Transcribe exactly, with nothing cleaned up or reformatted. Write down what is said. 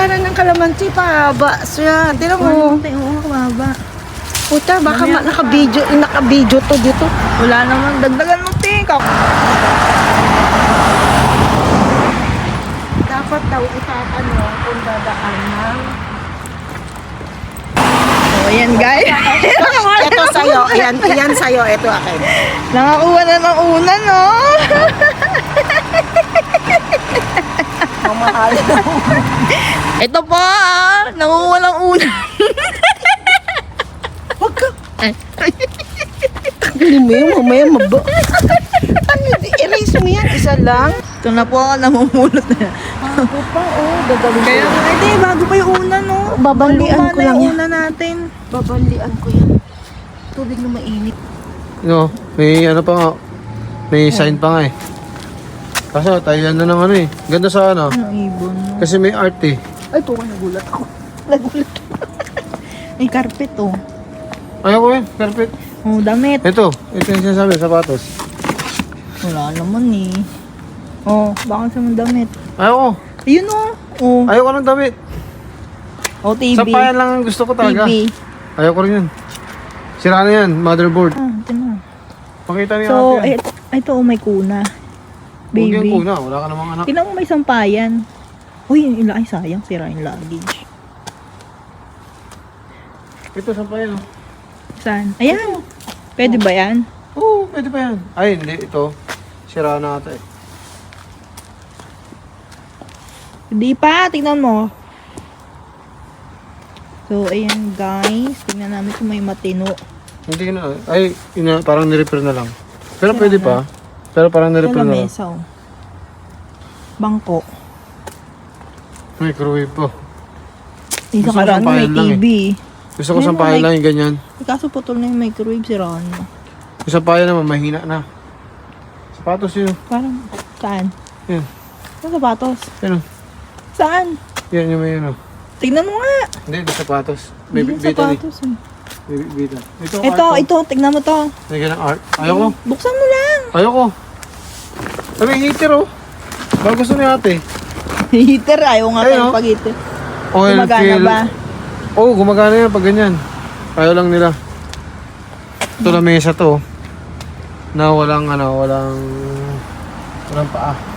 para ng kalamansi, pahaba siya. Tira mo. Oo, kumaba. Puta, baka ma- naka-video, naka-video to dito. Wala naman, dagdagan mo tingkak. Dapat daw itatanong kung dadaan ng... So, ayan guys. Ito sa'yo, yan, yan sa'yo, ito akin. Nakakuha na ng una, no? Mamahal. Ito po, ah. Nakukuha ng una. Huwag ka. Ay. Tanggalin mo yun, mamaya maba. Ano, erase mo yan, isa lang. Ito na po, namumulot na. Ako pa, oh, dadalhin ko. Kaya, hindi, bago pa yung una, no? Babalian Luma ko na lang yung yan. una natin. Babalian ko yan. Tubig na mainit. No, may ano pa nga. May sign pa nga eh. Kaso, Thailand na ng ano eh. Ganda sa ano. Ang ibon, no? Kasi may art eh. Ay, po, nagulat ako. Nagulat. May carpet, oh. Ayaw ko eh, carpet. Oh, damit. Ito, ito yung sinasabi, sapatos. Wala naman, eh. Oh, baka sa mga damit. Ayaw ko. Ayun, oh. Oh, Ayaw ko ng damit. oh T V. Sampayan lang ang gusto ko talaga. T V. Ayaw ko rin yun. Sira na yan, motherboard. Ah, ito na. Pakita niyo So, natin. ito, ito, oh, may kuna. Huwag yung Baby. kuna, wala ka namang anak. Tingnan mo, may sampayan. Uy, yung ila, ay sayang, sira yung luggage. Ito, sampayan oh. Saan? Ayan. Pwede ba yan? Oo, pwede pa yan. Ay, hindi, ito. Sira na ata eh. Hindi pa, tingnan mo. So, ayan guys. Tingnan namin kung may matino. Hindi na, ay, ina, parang nirepair na lang. Pero Sira pwede na. pa. Pero parang Ito nirepair na lang. lamesa, oh. Bangko. Microwave po. Isa Gusto ko karaan may sampayan lang T V. Gusto ko Ayun, sampayan may- lang yung ganyan. Eh, kaso putol na yung microwave, siraan mo. Yung sampayan naman, mahina na. Sapatos yun. Parang, saan? Yan. Saan sapatos? Yan o. Saan? Yan yung may ano. Tignan mo nga. Hindi, hindi sapatos. May Hindi bita ni. sapatos. eh. May bita. Ito, Ito, art, ito, tignan mo to. Lagyan ng art. Ayoko. Buksan mo lang. Ayoko. Ay, may heater oh. Baka gusto ni ate. Heater, ayaw nga Ayun, tayo oh. pag-heater. Oil Gumagana fill. ba? Oo, oh, gumagana yan pag ganyan. Ayaw lang nila. Ito na mesa to. Na walang ano, walang walang paa.